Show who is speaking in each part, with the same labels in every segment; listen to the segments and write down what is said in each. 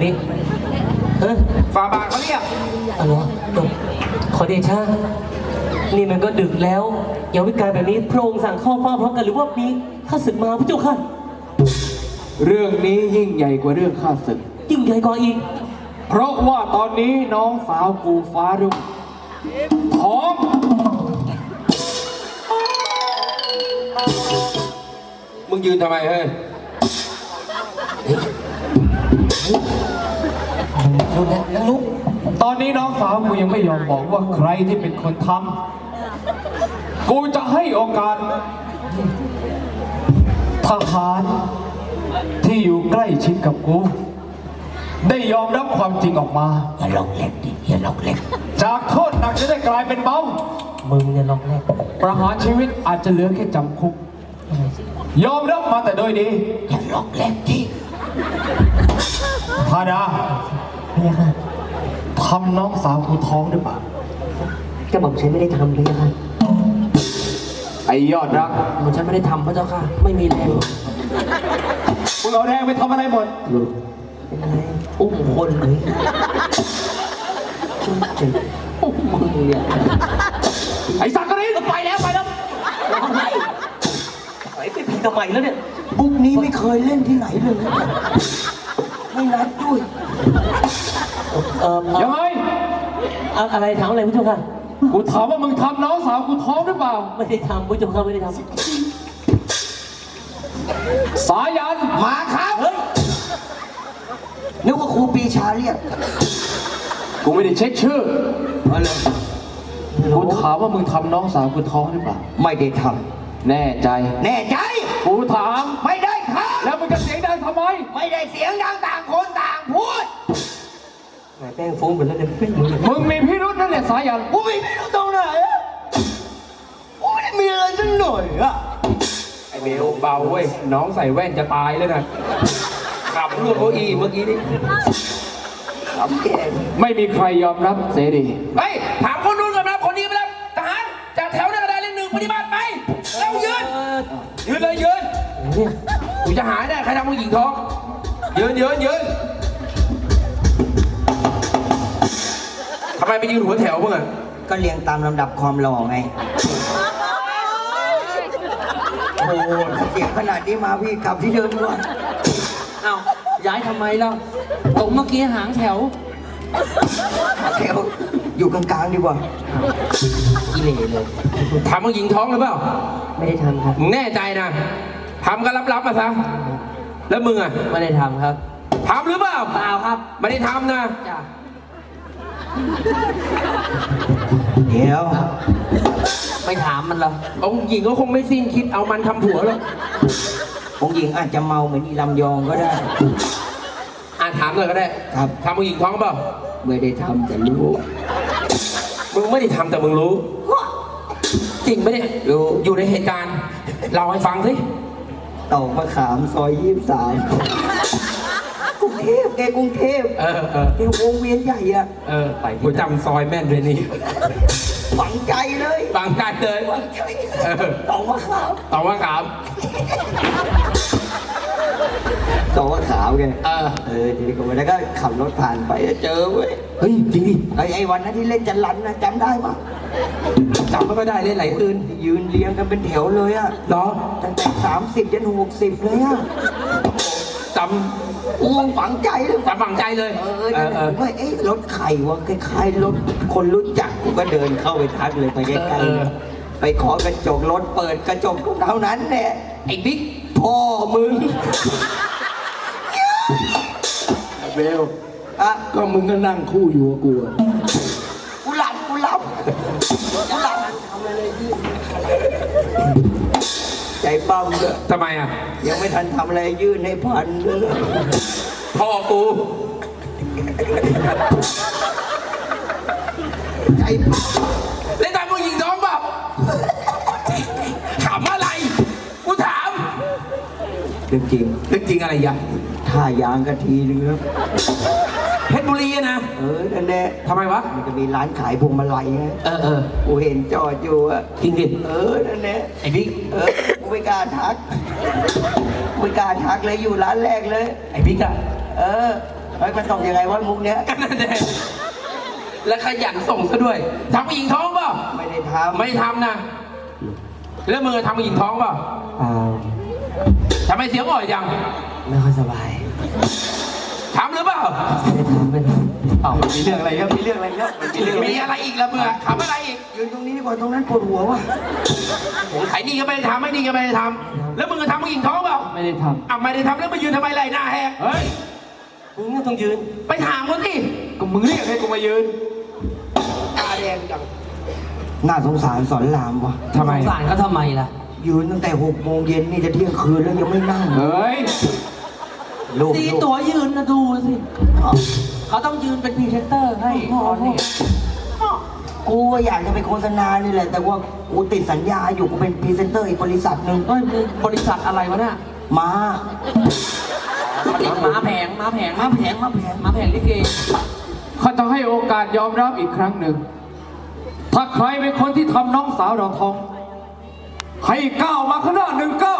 Speaker 1: นี้
Speaker 2: ฝ่าบาทเขาเรียก
Speaker 1: อะไรวะขอเดชะนี่มันก็ดึกแล้วอย่าวิการแบบนี้พระองค์สั่งเข้าเฝ้าพร้อมกันหรือว่ามีข้าศึกมาพระเจ้าค่ะ
Speaker 2: เรื่องนี้ยิ่งใหญ่กว่าเรื่องข้าศึก
Speaker 1: ยิ่งใหญ่กว่าอีก
Speaker 2: เพราะว่าตอนนี้น้องสาวกูฟ้ารุ่งท้องมึงยืนทำไมเฮ้ยลุกตอนนี้น้องสาวกูยังไม่ยอมบอกว่าใครที่เป็นคนทำกูจะให้โอกาสทหารที่อยู่ใกล้ชิดกับกูได้ยอมรับความจริงออกมา
Speaker 1: อย่าลอกเล็กดิอย่าลอกเล็ก
Speaker 2: จากโทษหนักจะได้กลายเป็นเบา
Speaker 1: มึงอย่าลอกเล็ก
Speaker 2: ประหารชีวิตอาจจะเหลือแค่จำคุกยอมรับมาแต่โดยดี
Speaker 1: อย่าลอกเล็กดิ
Speaker 2: พาดา
Speaker 1: เนี่ยค่ะ
Speaker 2: ทำน้องสาวกูท้องหรือเปล่า
Speaker 1: จะบอกฉันไม่ได้ทำเลยค่ะ
Speaker 2: ไอ้ยอดรัก
Speaker 1: มันฉันไม่ได้ทำพระเจ้าค่ะไม่มีแรง
Speaker 2: มึงเอาแรงไปทำอะไรหมด
Speaker 1: เป็นอะไรอุ้มคนเลยอุ้มมึงเนี่ย
Speaker 2: ไอ้สักกะรี
Speaker 1: ไปแล้วไปเป็นผีทำไมแล้วเนี่ยบุ๊กนี้ไม่เคยเล่นที่ไหนเลยไม่นัดด้วย
Speaker 2: ยังไง
Speaker 1: อะไรถามอะไรผู้ชมค่ะ
Speaker 2: กูถามว่ามึงทำน้องสาวกูท้องหรือเปล่า
Speaker 1: ไม่ได้ทำผู้ชมค่ะไม่ได้ทำ
Speaker 2: สายัน
Speaker 1: มาครับเฮ้ยนึกว่าครูปีชาเรียก
Speaker 2: กูไม่ได้เช็คชื่อกูถามว่ามึงทำน้องสาวกูท้องหรือเปล่า
Speaker 1: ไม่ได้ท
Speaker 2: ำแน่ใจกูถาม
Speaker 1: ไม่ได้ท
Speaker 2: ำแล้วมึงจะเสียงดังทำไม
Speaker 1: ไม่ได้เสียงดังต่างคนต่างพูดแป้งฟุ้งไปแล้วเนี่ย
Speaker 2: มึงมีพิรุธนั่นแหละสายัน
Speaker 1: กูมีพิรุธตรงไหนอะกูไม่ได้มีอะไรสักหน่อยอะ
Speaker 2: ไอเบลเบาเว้ยน้องใส่แว่นจะตายเลยนะขับรถโออีเมื่อกี้นี่
Speaker 1: ขับแก
Speaker 2: ไม่มีใครยอมรับเสรี
Speaker 3: เฮ้ยถามคนนู้นก่อนนะคนนี้ไปแล้วทหารจากแถวหน้ากระดานเลขหนึ่งปฏิบัติไปเรายืนเลยยืนกูจะหาได้ใครทำผู้หญิงท้องยืนทำไมไปยืนหัวแถวมึงอ่ะ
Speaker 1: ก็เรียงตามลำดับความหล่อไงโอ้เสียงขนาดนี้มาพี่กลับที่เดิมก่อนเอ้าย้ายทำไมล่ะตรงเมื่อกี้หางแถวอยู่กลางๆดีกว่ากิเลสเลย
Speaker 3: ทำผู้หญิงท้องหรือเปล่า
Speaker 1: ไม่ได้ทำครับ
Speaker 3: มึงแน่ใจนะทำก็รับมาซะแล้วมึงอ่ะ
Speaker 1: ไม่ได้ทำครับ
Speaker 3: ทำหรือเปล่า
Speaker 1: เปล่าครับ
Speaker 3: ไม่ได้ทำนะ
Speaker 1: จ้ะเดี๋ยวไม่ถามมันหรอ
Speaker 3: องค์หญิงก็คงไม่สิ้นคิดเอามันทำผัวหรอก
Speaker 1: องค์หญิงอาจจะเมาเหมือนอีลำยองก็ได้
Speaker 3: ถามเลยก็ได้
Speaker 1: ครับ
Speaker 3: ทำผู้หญิงท้องเปล่า
Speaker 1: ไม่ได้ทำแต่รู้
Speaker 3: มึงไม่ได้ทำแต่มึงรู้จริงไหมเนี่ยรู้อยู่ในเหตุการณ์เล่าให้ฟังสิ
Speaker 1: ตอกมะขามซอย23กรุงเทพกรุงเทพแกวงเวียนใหญ่อะ
Speaker 3: ไปกูจำซอยแม่นเลยนี่
Speaker 1: ฝังใจเลย
Speaker 3: ตอกมะขาม
Speaker 1: ต่อมะขาวไงทีนี้ก็ไปแล้วก็ขับรถผ่านไปเจอเว้ย
Speaker 3: เฮ้ยจริงดิ
Speaker 1: ไอ้วันนั้นที่เล่นจันรันนะจำได้ปะ
Speaker 3: จำไม่ค่อยได้เล่นไหนคืน
Speaker 1: ยืนเรียงกันเป็นแถวเลยอะ
Speaker 3: เหรอ
Speaker 1: ตั้งแต่30จน60เลยอะ
Speaker 3: จำ
Speaker 1: ฝังใจเลย
Speaker 3: ฝังใจเลย
Speaker 1: ว่ารถไข่วะคล้ายๆรถคนรู้จักกูก็เดินเข้าไปทักเลยไปใกล้ๆไปขอกระจกรถเปิดกระจกเท่านั้นแหละ
Speaker 3: ไอ้บิ๊ก
Speaker 1: พ่อมึง
Speaker 2: เบลก็มึงก็นั่งคู่อยู่กับ
Speaker 1: กูหลับทำอะไรยืดใจปั้มเลย
Speaker 3: ทำไมอ่ะ
Speaker 1: ยังไม่ทันทำอะไรยื่นให้พันเลย
Speaker 3: พ่อกู
Speaker 1: ใจ
Speaker 3: เล่นตามผู้หญิงท้องเปล่าถามอะไรกูถาม
Speaker 1: จ
Speaker 3: ริงอะไรยะ
Speaker 1: ท่ายางกะทีนึงครับ
Speaker 3: เพชรบุรีนะ
Speaker 1: นั่นแหละ
Speaker 3: ทำไมวะ
Speaker 1: มันจะมีร้านขายพวงมาลัยไงกูเห็นจอดอยู่อะ
Speaker 3: จริงดิ
Speaker 1: นั่นแหละ
Speaker 3: ไอ้บิ๊ก
Speaker 1: กูไม่กล้าทักเลยอยู่ร้านแรกเลย
Speaker 3: ไอ้บิ๊กอะ
Speaker 1: เฮ้ยมันตอบยังไงวะมุกเนี้ย
Speaker 3: กันนั่นเองและขยันส่งซะด้วยทำผู้หญิงท้องเปล่า
Speaker 1: ไม่ได้ทำ
Speaker 3: ไม่ทำนะแล้วมึงทำผู้หญิงท้องเปล่า ทำไมเสียงอ่อยจัง
Speaker 1: ไม่ค่อยสบาย
Speaker 3: ทำหรือเปล่า
Speaker 1: ไม่ได้ทำ
Speaker 2: อ้าวมีเรื่องอะไรครับมีเรื่องอะไรครับมีเรื่องอะไร
Speaker 3: มีอะไรอีกละมึงอะทำอะไรอีก
Speaker 1: ยืนตรงนี้ดีกว่าตรงนั้นปวดหัวว่ะ
Speaker 3: ไอ้นี่ก็ไม่ได้ทำไอ้นี่ก็ไม่ได้ทำแล้วมึงจะทำผู้หญิงท้องเปล่า
Speaker 2: ไม่ได้ท
Speaker 3: อ่ะไม่ได้ทำแล้วมายืนทำไมไรหน้าแหก
Speaker 2: ำเฮ้ย
Speaker 1: มึงต้องยืน
Speaker 3: ไปถามเขาสิ
Speaker 2: ก็มึงเรียกให้กูมายืน
Speaker 3: ตาแดงจัง
Speaker 1: น่าสงสารสอนรามว่ะ
Speaker 2: ทำไม
Speaker 4: สารเขาทำไมล่ะ
Speaker 1: ยืนตั้งแต่6 โมงเย็นนี่จะเที่ยงคืนแล้วยังไม่นั่ง
Speaker 2: เฮ้ย
Speaker 1: ลูก
Speaker 4: ตีตัวยืนนะดูสิ เขาต้องยืนเป็นพรีเซนเตอร์ให้ตอนนี้
Speaker 1: กูก็อยากจะไปโฆษณานี่แหละ แต่ว่ากูติดสัญญาอยู่กูเป็นพรีเซนเตอร์อีกบริษัทหนึ่ง
Speaker 4: เอ้ยมึงบริษัทอะไรวะเนี่ย
Speaker 1: มา
Speaker 4: ม้าแผงม้าแผงม้าแผงม้าแผงม้าแผงลิเก
Speaker 2: ข้าจะให้โอกาสยอมรับอีกครั้งหนึ่ง ถ้าใครเป็นคนที่ทำน้องสาวเราท้อง ให้ก้าวมาข้างหน้า1 ก้าว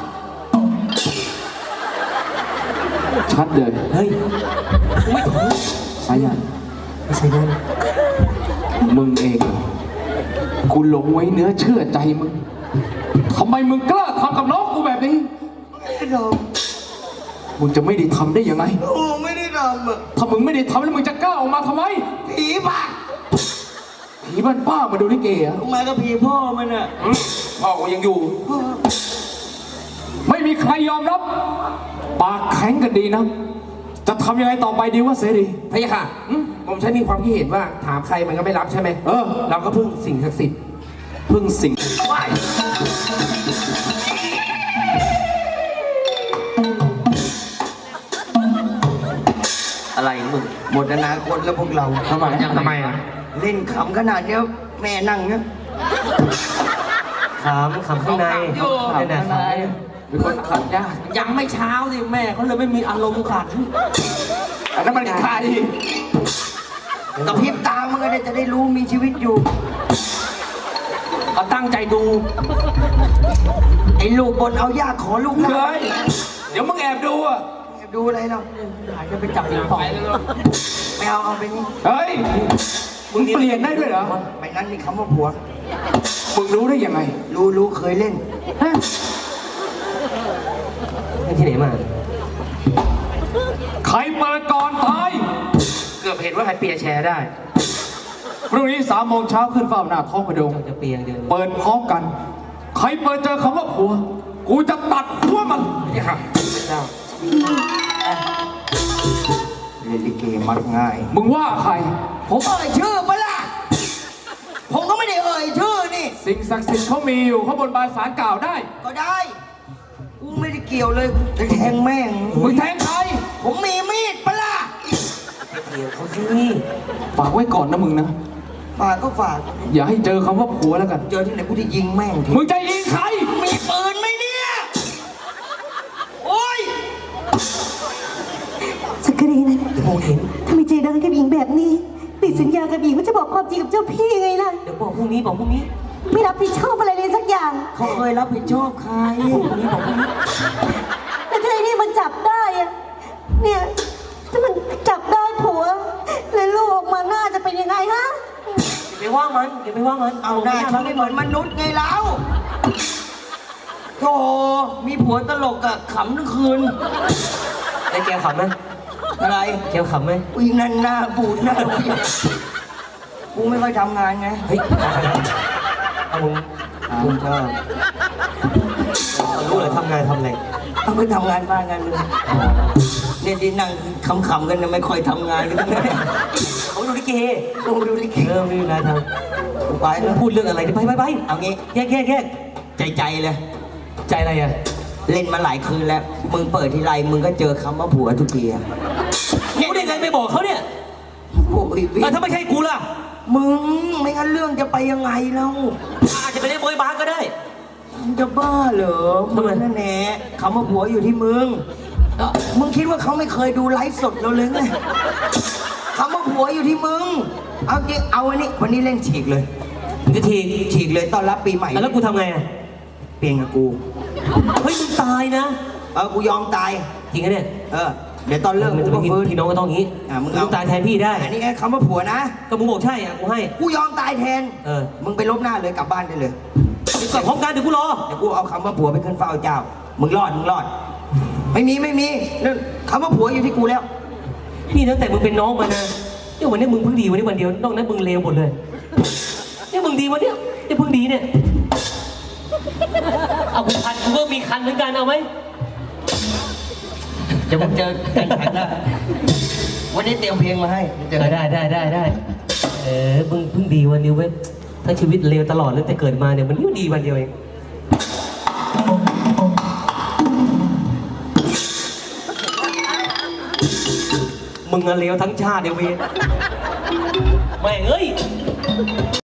Speaker 2: ชัดเลย
Speaker 1: เฮ้ย
Speaker 4: ไม่ถูก
Speaker 2: สายัน
Speaker 1: ไม่ใช่ด้วย
Speaker 2: มึงเองเหรอกูหลงไว้เนื้อเชื่อใจมึงทำไมมึงกล้าทำกับน้องกูแบบนี้
Speaker 1: ไม่ได้ท
Speaker 2: มึงจะไม่ได้ทำได้ยังไง
Speaker 1: ำโอ้ไม่ได้ทำอ่ะ
Speaker 2: ถ้ามึงไม่ได้ทำแล้วมึงจะกล้าออกมาทำไม
Speaker 1: ผีปาก
Speaker 2: ผีบ้านป้ามาดูลิเกอะ
Speaker 1: มากับผีพ่อมันอ่ะ
Speaker 3: พ่อกูยังอยู่
Speaker 2: ไม่มีใครยอมรับ ปากแข็งกันดีนะ จะทำยังไงต่อไปดีวะเสรี
Speaker 3: พะยะค่ะผมใช้มีความคิดเห็นว่าถามใครมันก็ไม่รับใช่ไหม
Speaker 2: เออ
Speaker 3: เราก็พึ่งสิ่งศักดิ์สิทธิ์
Speaker 2: พึ่งสิ่ง
Speaker 1: อะไรมึงหมดอนาคตแล้วพวกเรา
Speaker 3: ทำไมอ่ะ
Speaker 1: เล่นขำขนาดเนี้ยแม่นั่งเนี้ย
Speaker 4: ขำข้างในขำข้างใน
Speaker 2: เป็นคนขัดยาก
Speaker 4: ยังไม่เช้าสิแม่เขาเลยไม่มีอารมณ์ขัน
Speaker 2: อันนั้นมันใคร
Speaker 1: กระพริบตามันก็ได้จะได้รู้มีชีวิตอยู่
Speaker 4: เขาตั้งใจดู
Speaker 1: ไอ้ลูกบนเอายากขอลูกนะ
Speaker 2: เฮ้ย เดี๋ยวมึงแอบดูอ่ะ
Speaker 1: ดูอะไรเรา
Speaker 4: อาจจะไปจับปิงปอง
Speaker 1: ไม่เอาไปนี่
Speaker 2: เฮ้ย มึงเปลี่ยนได้ด้วยเหรอ
Speaker 1: ไปนั้นนี่คำว่าผัว
Speaker 2: มึงรู้ได้ยังไง
Speaker 1: รู้เคยเล่น
Speaker 4: ที่ไหนมา
Speaker 2: ใครเปิดก่อนตาย
Speaker 3: เกือบเห็นว่าใครเปียร์แชร์ได้
Speaker 2: พรุ่งนี้3 โมงเช้าขึ้นเฝ้าหน้าท้องพระโดง
Speaker 4: จะเปียงเดิน
Speaker 2: เปิดพร้อมกัน ใครเปิดเจอคำว่าผัว กูจะตัดหัวมัน
Speaker 3: พะยะค่ะเจ้า
Speaker 1: เล่นลิเกมักง่าย
Speaker 2: มึงว่าใคร
Speaker 1: ผมเอ่ยชื่อปะล่ะผมก็ไม่ได้เอ่ยชื่อนี่
Speaker 2: สิ่งศักดิ์สิทธิ์เขามีอยู่เขาบนบานสารกล่าวได้
Speaker 1: ก็ได้กูไม่ได้เกี่ยวเลยจะแทงแม่ง
Speaker 2: มึงแทงใคร
Speaker 1: ผมมีมีดปะล่ะ
Speaker 4: เกี่ยวเขาสิ
Speaker 2: ฝากไว้ก่อนนะมึงนะ
Speaker 1: ฝากก็ฝาก
Speaker 2: อย่าให้เจอคำว่าผัวแล้วกัน
Speaker 1: เจอที่ไหนกูจะยิงแม่งที
Speaker 2: มึงจะยิงใคร
Speaker 1: มีปืนไหมเนี่ย โอ้ย
Speaker 5: สักกรีนะ
Speaker 4: มองเห็น
Speaker 5: ทำไมใจร้ายกับหญิงแบบนี้ติดสัญญากับหญิงว่าจะบอกความจริงกับเจ้าพี่ไงล่ะ
Speaker 4: เดี๋ยวบอกพรุ่งนี้บอกพรุ่งนี้
Speaker 5: ไม่รับผิดชอบอะไรเลยสักอย่าง
Speaker 1: เขาเคยรับผิดชอบใคร
Speaker 5: แต่ถ้าไอ้นี่มันจับได้อะเนี่ยถ้ามันจับได้ผัว แล้วลูกออกมาหน้าจะเป็นยังไงฮะ
Speaker 4: อย่าไปว่ามันอย่าไปว่ามัน
Speaker 1: เอาหน้าทำให้เหมือนมนุษย์ไงแล้วโธ่มีผัวตลกอะขำทั้งคืน
Speaker 4: ไอ้แกขำไหม
Speaker 1: อะไร
Speaker 4: แกขำไหม
Speaker 1: วิ่งนั่นหน้าบูดหน้าบูดกูไม่ค่อยทำงานไง
Speaker 4: เฮ้ยเอามึง
Speaker 1: ผมชอบ
Speaker 4: รู้เลยทำงานทำอะไร
Speaker 1: เอาไปทำงานบ้านกันเลยเนี่ยที่นั่งขำๆกันนะไม่ค่อยทำงานกันเลย
Speaker 4: เขาดูลิเก
Speaker 1: ลงดูลิเก
Speaker 4: ไม่มีอะไรท
Speaker 1: ไป
Speaker 4: ำ
Speaker 1: แล้ว
Speaker 4: พูดเรื่องอะไรไป
Speaker 1: เอางี้
Speaker 4: แยก
Speaker 1: ใจเลย
Speaker 4: ใจอะไรอ่ะ
Speaker 1: เล่นมาหลายคืนแล้ว มึงเปิดทีไรมึงก็เจอคำว่าผัวทุกทีอะ
Speaker 4: กูได้ไงไปบอกเขาเนี่ย
Speaker 1: โอ้ยพี่
Speaker 4: ถ้าไม่ใช่กูล่ะ
Speaker 1: มึงไม่งั้นเรื่องจะไปยังไงแล้ว
Speaker 4: อาจจะไปเล่นโบยบาสก็ได้
Speaker 1: มึงจะบ้าเหรอมึงนั่นแหละคำว่าผัวอยู่ที่มึงมึงคิดว่าเขาไม่เคยดูไลฟ์สดเราเลยไงคำว่าผัวอยู่ที่มึง เอาจริงเอาอันนี้วันนี้เล่นฉีกเลย
Speaker 4: มึงจะที
Speaker 1: ฉีกเลยต้อนรับปีใหม่
Speaker 4: แล้วกูทำไงอ่ะ
Speaker 1: เปลี่ยนกับกู
Speaker 4: เฮ้ยมึงตายนะ
Speaker 1: กูยอมตาย
Speaker 4: จริงไหมเนี่ย
Speaker 1: เออเดี๋ยวตอนเลิก
Speaker 4: มึง
Speaker 1: กู
Speaker 4: จะ
Speaker 1: ก็
Speaker 4: ไม่
Speaker 1: ฟื้น
Speaker 4: พี่น้องก็ต้องอย่างนี้
Speaker 1: มึง
Speaker 4: มึงตายแทนพี่ได้
Speaker 1: อันนี้ไงคำว่าผัวนะ
Speaker 4: ก็มึงบอกใช่อ่ะกูให้
Speaker 1: กูยอมตายแทน
Speaker 4: เออ
Speaker 1: มึงไปลบหน้าเลยกลับบ้านได้เลย
Speaker 4: เดี๋ยวก่อนพร้อมกันเดี๋ยวกูรอ
Speaker 1: เดี๋ยวกูเอาคำว่าผัวไปขึ้นเฝ้าเจ้า มึงรอดไม่มีนั่นคำว่าผัวอยู่ที่กูแล้ว
Speaker 4: นี่ตั้งแต่มึงเป็นน้องมานะเนี่ยวันนี้มึงเพิ่งดีวันนี้วันเดียวนอกนั้นมึงเลวหมดเลยเนี่ยมึงดีวันเนี้ยเนี่ยเพิ่งดีเนี่ยเอากูคันกูก็มีคันเหมือนกันเอาไหม
Speaker 1: เดี๋ยวมึงเจอกันแข่งแล้ววันนี้เตรียมเพลงมาให้เจอกัน
Speaker 4: ได้มึงเพิ่งดีวันเดียวเว้ยทั้งชีวิตเลวตลอดเลยแต่เกิดมาเนี่ยมันดีวันเดียวเองมึงอะเลวทั้งชาติเดียวเว้ยแม่งเอ้ย